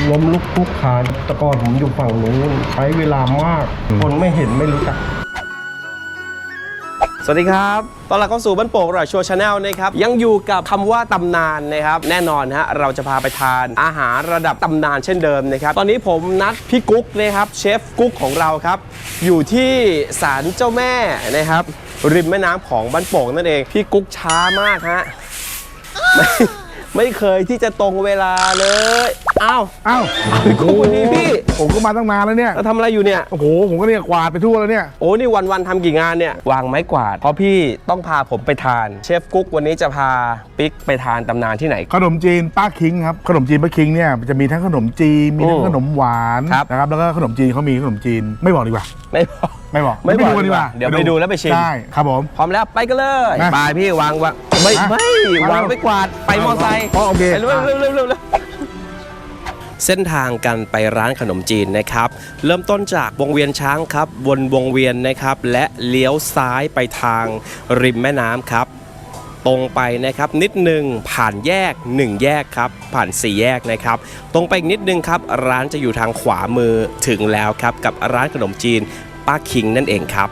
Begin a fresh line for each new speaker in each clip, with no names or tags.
ล้มลุกคลุกคลานแต่ก่อนผมอยู่ฝั่งนู้นใช้เวลามากคนไม่เห็นไม่รู้จัก
สวัสดีครับตอนหลังเข้าสู่บ้านโป่งอร่อยชัวร์ชาแนลนะครับยังอยู่กับคำว่าตำนานนะครับแน่นอนฮะเราจะพาไปทานอาหารระดับตำนานเช่นเดิมนะครับตอนนี้ผมนัดพี่กุ๊กนะครับเชฟกุ๊กของเราครับอยู่ที่ศาลเจ้าแม่นะครับริมแม่น้ำของบ้านโป่งนั่นเองพี่กุ๊กช้ามากฮะไม่เคยที่จะตรงเวลาเลยอ้าวพี่กุ๊กวันนี้พี่
ผมก็มาตั้งนานแล้วเนี่ย
แล้วทำอะไรอยู่เนี่ย
โอ้โหผมก็เนี่ยกวาดไปทั่วแล้วเนี่ย
โอ้นี่วันทำกี่งานเนี่ยวางไม้กวาดเพราะพี่ต้องพาผมไปทานเชฟกุ๊กวันนี้จะพาปิ๊กไปทานตำนานที่ไหน
ขนมจีนป้าคิงครับขนมจีนป้าคิงเนี่ยจะมีทั้งขนมจีนมีทั้งขนมหวานนะครับแล้วก็ขนมจีนเขามีขนมจีนไม่บอกดีกว่า
ไม่บอก
ดีกว่า
เดี๋ยวไปดูแล้วไปชิม
ใช่ครับผม
พร้อมแล้วไปกันเลยไปพี่วางไม่วางไม่กวาดไปมอไซค์
โอเค
เร็วเส้นทางกันไปร้านขนมจีนนะครับเริ่มต้นจากวงเวียนช้างครับวนวงเวียนนะครับและเลี้ยวซ้ายไปทางริมแม่น้ำครับตรงไปนะครับนิดนึงผ่านแยก1แยกครับผ่าน4แยกนะครับตรงไปอีกนิดนึงครับร้านจะอยู่ทางขวามือถึงแล้วครับกับร้านขนมจีนป้าคิงนั่นเองครับ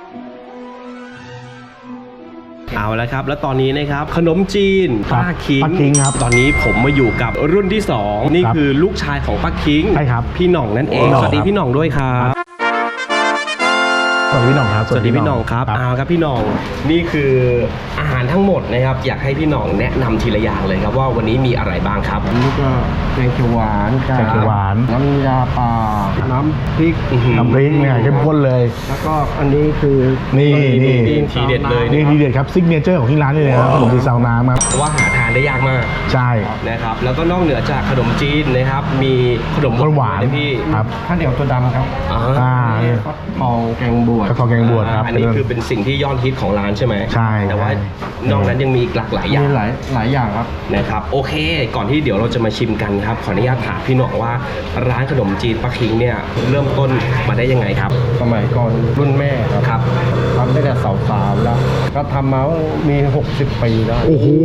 เอาละครับแล้วตอนนี้นะครับขนมจีนป้าคิง
ครับ
ตอนนี้ผมมาอยู่กับรุ่นที่2นี่คือลูกชายของป้าคิง
ใช่ครับ
พี่หน่องนั่นเองสวัสดีพี่หน่องด้วยครับ
สวัสดีพี่หน่องครับ
สวัสดีพี่หน่องครับเอาครับพี่หน่องนี่คืออาหารทั้งหมดนะครับอยากให้พี่หน่องแนะนำทีละอย่างเลยครับว่าวันนี้มีอะไรบ้างครับ
นี่ก็แกงเขียวหวานน้ำยาป่าน้ำพริก
เนี่ยเข้มข้นเลย
แล้วก็อันนี้คือ
นี่
ทีเด็ดเลย
นี่ทีเด็ดครับซิกเนเจอร์ของที่ร้านนี่เลยครับขนมจีนซาวน้ำครับ
ว่าหาทานได้ยากมาก
ใช่
นะครับแล้วก็นอกเหนือจากขนมจีนนะครับมีขนม
หวาน
พี่
ครับ
ข้าวเหนียวตัวดำครับทองแกงบวช
ครับ
อันนี้คือเป็นสิ่งที่ยอดฮิตของร้านใช่ไหม
ใช่
แต่ว่านอกนั้นยังมีหลากหลายอย่าง
หลายอย่างครับ
นะครับโอเคก่อนที่เดี๋ยวเราจะมาชิมกันครับขออนุญาตถามพี่หน่องว่าร้านขนมจีนป้าคิงเนี่ยเริ่มต้นมาได้ยังไงครับ
สมัยก่อนรุ่นแม่
ครับ
ทำตั้งแต่สาวๆแล้วก็ทำมามี60 ปีแล้ว
โอ้โห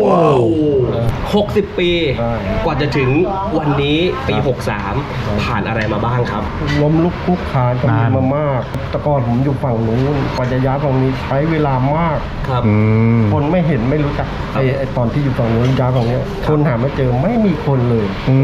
60 ปีกว่าจะถึงวันนี้ปี63ผ่านอะไรมาบ้างครับ
ล้มลุกคลุกคลานก็มีมามากแต่ก่อนผมอยู่ฝั่งนู้นกว่าจะย้ายฝั่งนี้ใช้เวลามาก
ครับ
คนไม่เห็นไม่รู้จักไอ้ตอนที่อยู่ฝั่งนู้นย้ายฝั่งนี้คนหาไม่เจอไม่มีคนเลย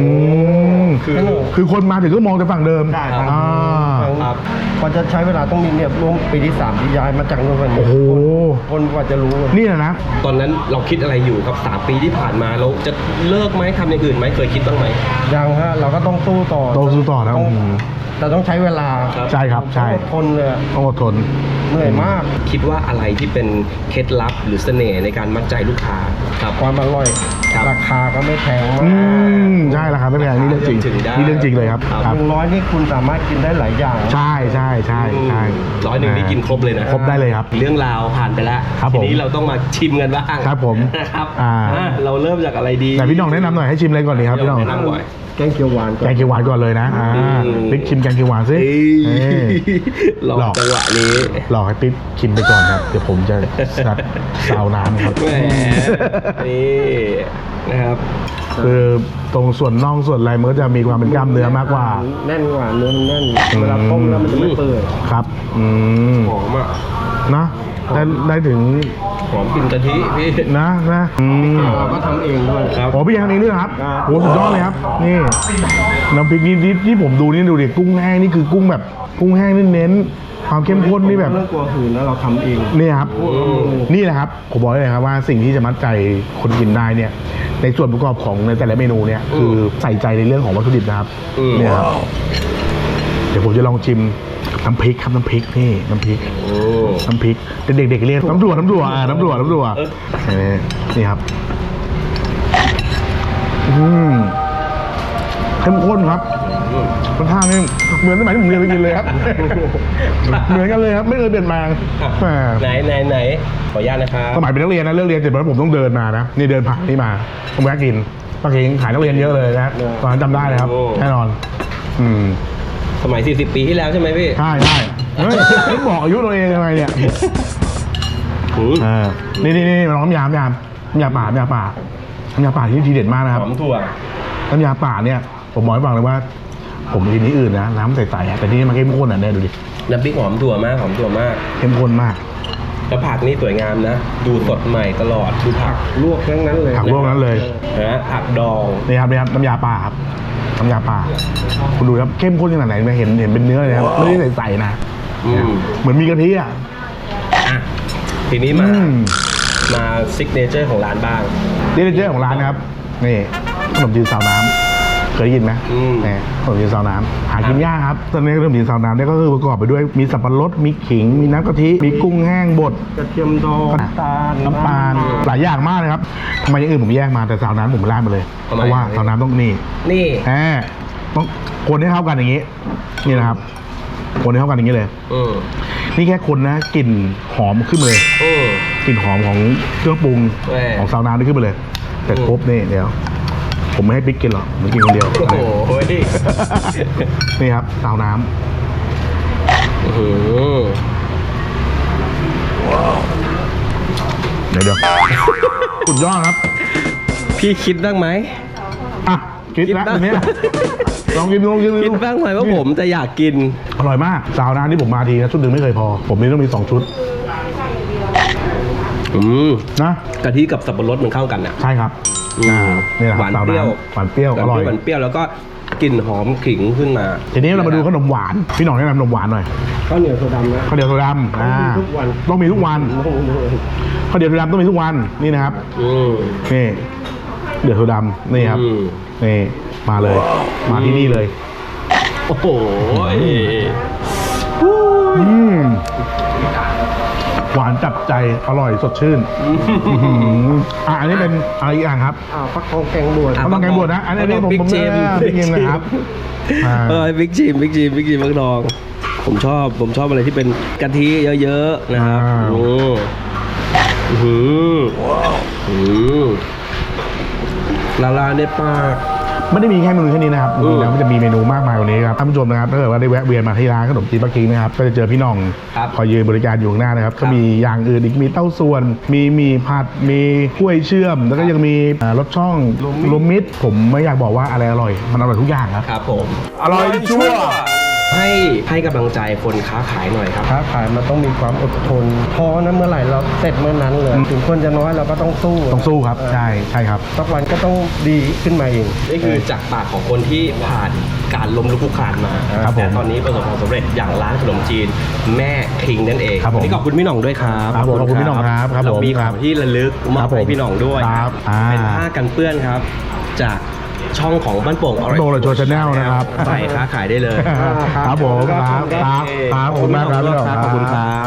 คือคนมาถึงก็มองแต่ฝั่งเดิม
ได้ครับกว่าจะใช้เวลาต้องมีเนี่ยร่วมปีที่3ที่ย้ายมาจากนู้นฝั่งนี้คนกว่าจะรู้
นี่แหละนะ
ตอนนั้นเราคิดอะไรอยู่ครับ3 ปีที่ผ่านมาเราจะเลิกไหมทำอย่างอื่นไหมเคยคิดบ้างไหม
ยังฮะเราก็ต้องสู้ต่อ
นะ
แต่ต้องใช้เวลา
ใช่ครับใช่
อดทนเลย
ต้องอดทน
เหนื่อยมาก
คิดว่าอะไรที่เป็นเคล็ดลับหรือเสน่ห์ในการมัดใจลูกค้า
ครับความอร่อยราคาก็ไม่แพงมาก
ใช่ราคาไม่แพงนี่เรื่องจริงเลยครับ
100นี่คุณสามารถกินได้หลายอย่าง
ใช่
100นี่กินครบเลยนะ
ครบได้เลยครับ
เรื่องราวผ่านไปแล้วทีนี้เราต้องมาชิมกันบ้าง
ครับผม
นะครับเราเริ่มจากอะไรดี
แต่พี่น้องแนะนำหน่อยให้ชิมอะไรก่อนดีครับพี่น้อง
แกงเขียวหวาน
ก่อนเลยนะปิ๊กชิมแกงเขียวหวานซิ
หลอกจังหวะนี้
หลอกให้ปิ๊กชิมไปก่อนครับเดี๋ยวผมจะซาวน้ำครับ
นี่นะครับ
คือตรงส่วนน่องส่วนอะไรมันก็จะมีความเป็นกล้ามเนื้อมากกว่า
แน่นกว่าเนื้อมันแน่นเวลาต้มแล้วมันจะไม่เปื่อย
ครับ
หอมอ่ะ
นะได้ถึง
หอมกลิ่นกะทิพี่
นะ
เราก็ทำเองด้วย
ครับพี่ยังทำเองด้วยครับโหสุดยอดเลยครับนี่น้ำพริกนี่ที่ผมดูนี่ดูดิกุ้งแห้งนี่คือกุ้งแบบกุ้งแห้งเน้นความเข้มข้นนี่แบบ
เรื่องกลัวหืนแล้วเราทำเอง
นี่ครับนี่แหละครับผมบอกเลยครับว่าสิ่งที่จะมัดใจคนกินได้เนี่ยในส่วนประกอบของในแต่ละเมนูเนี่ยคือใส่ใจในเรื่องของวัตถุดิบนะครับเนี่ยครับเดี๋ยวผมจะลองชิมน้ำพริกครับน้ำพริกนี่น้ำพริกเด็กๆเรียกน้ำดัวนี่ครับเข้มข้นครับรสชาตินี่เหมือนสมัยที่ผมเรียนไปกินเลยครับเหมือนกันเลยครับไม่เคยเปลี่ยนแปลง
ไหนขออนุญาตนะครับ
สมัยเป็นนักเรียนนะเลิกเรียนเสร็จแล้วผมต้องเดินมานะนี่เดินผ่านนี่มาผมแวะกินป้าคิงขายนักเรียนเยอะเลยนะตอนนั้นจำได้เลยครับแน่นอน
สมัย40 ปีที่แล้วใช่ไหมพี่
ใช่เฮ้ยไม่บอกอายุตัวเองยังไงเนี่ยนี่น้ำยาป่าที่ทีเด็ดมากนะครับ
หอมถั่ว
น้ำยาป่าเนี่ยผมบอกให้ฟังเลยว่า ผมกินที่อื่นนะน้ำใสๆแต่ที่นี่มันเข้มข้นอ่ะเนี่ยดูดิ
น้ำพริกหอมถั่วมากหอมถั่วมาก
เข้มข้นมาก
แล้วผักนี่สวยงามนะ ดูสดใหม่ตลอดดูผัก
ลวกทั้งนั้นเลย
ผักลวกนั้นเลย
นะผักดอง
นี่ครับน้ำยาป่าครับน้ำยาป่าคุณดูครับเข้มข้นขนาดไหนเห็นเป็นเนื้อเลยครับไม่ได้ใสๆนะ
อืม
เหมือนมีกะทิอ่ะ
อ่ะทีนี้มาซิกเนเจอร์ของร้านบ้าง
นี่เป็นเจ้าของร้านนะครับนี่ขนมจีนซาวน้ำเคยได้ยินไหม นี่ขนมจีนซาวน้ำหากินยากครับตอนนี้ขนมจีนซาวน้ำเนี่ยก็คือประกอบไปด้วยมีสับปะรดมีขิงมีน้ำกะทิมีกุ้งแห้งบด
กระเทียมดองน้ำตาล
น้ำตาลหลายอย่างมากเลยครับทำไมอย่างอื่นผมแยกมาแต่ซาวน้ำผมราดมาเลยเพราะว่าซาวน้ำต้องนี่
นี่
ต้องคนให้เข้ากันอย่างนี้ นี่นะครับคนให้เข้ากันอย่างนี้เลย นี่แค่คนนะกลิ่นหอมขึ้นมาเลยกลิ่นหอมของเครื่องปรุงของซาวน้ำนี่ขึ้นมาเลยแต่ครบนี่เดี๋ยวผมไม่ให้ปิ๊กกินหรอกผมกินคนเดียว
โอ้โห
นี่ครับซาวน้ำเดี๋ยวสุดยอดครับ
พี่คิดบ้างไหม
อ่ะคิดแล้ว
คิดบ้าง
ทีเนี้ยลองกินดู
คิดบ้างไหมว่าผมจะอยากกิน
อร่อยมากซาวน้ำที่ผมมาทีนะชุดหนึ่งไม่เคยพอ ผมนี่ต้องมี2ชุดนะ
กะทิกับสับปะรดมันเข้ากันอ่ะ
ใช่ครับนี่แหละ
หวาน
ซาว
เปรี้ยว
น้ำหวานเปรี้ยวอร่อย
หวานเปรี้ยวแล้วก็กลิ่นหอมขิงขึ้นมา
ทีนี้เรามาดูขนมหวานพี่หน่องแนะนำขนมหวานหน่อย
ข้าวเหนียวโซดานะ
ข้าวเหนียวโซดำ
ทุกวัน
ต้องมีทุกวันข้าวเหนียวโซดำต้องมีทุกวันนี่นะครับนี่เดือดโซดำนี่ครับนี่มาเลย มาที่นี่เลย
โอ้โห
หวานจับใจอร่อยสดชื่นอันนี้เป็นอะไรอีกอย่างครับ
ฟักทองแกงบวช
ต้องแกงบวชนะอันนี้ผม
บิ๊กจิม
บิ๊กจิมนะครับ
บิ๊กจิมมักดองผมชอบอะไรที่เป็นกะทิเยอะๆนะครับละลายในปาก
ไม่ได้มีแค่เมนูแค่นี้นะครับจริงๆแล้วมันจะมีเมนูมากมายกว่านี้ครับท่านผู้ชมนะครับถ้าเกิดว่าได้แวะเวียนมาที่ร้านขนมจีนปักกิ่งนะครับก็จะเจอพี่น้องคอยยืนบริการอยู่ข้างหน้านะครับก็มีอย่างอื่นอีกมีเต้าส่วนมีผัดมีกล้วยเชื่อมแล้วก็ยังมีรสช่องรวมมิตรผมไม่อยากบอกว่าอะไรอร่อยมันอร่อยทุกอย่างครับ
ครับผม
อร่อยชั่ว
ให้กำลังใจคนค้าขายหน่อยครับ
ค้าขายมันต้องมีความอดทนท้อนะเมื่อไหร่เราเสร็จเมื่อนั้นเลยถึงคนจะน้อยเราก็ต้องสู้
ต้องสู้ครับใช่ครับ
สักวันก็ต้องดีขึ้นมาเอง
นี่คือจากปากของคนที่ผ่านการล้มลุกคลุกคลานมา
ครับผม
แต่ตอนนี้ประสบความสำเร็จอย่างร้านขนมจีนแม่คิงนั่นเอง
ครับผม
วันนี้ขอบคุณพี่หน่องด้วยครับ
ครับผมขอบคุณพี่หน่องครับครับ
เรามี
ผม
ของที่ระลึกมอบ
ครับผม
ให้พี่หน่องด้วย
ครับ
เป็นผ้ากันเปื้อนครับ จากช่องของบ้านโป่ง
โดนโชว์ชาแนลนะครับ
ใส่ค้าขายได้เลย
ครับผมครับขอบคุณมากครับพี่หน่อง
ขอบคุณครับ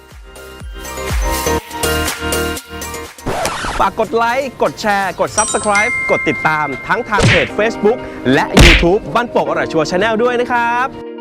ฝากกดไลค์ กดแชร์ กด Subscribe กดติดตามทั้งทางเพจ Facebook และ YouTube บ้านโป่งอร่อยชัวร์ Channel ด้วยนะครับ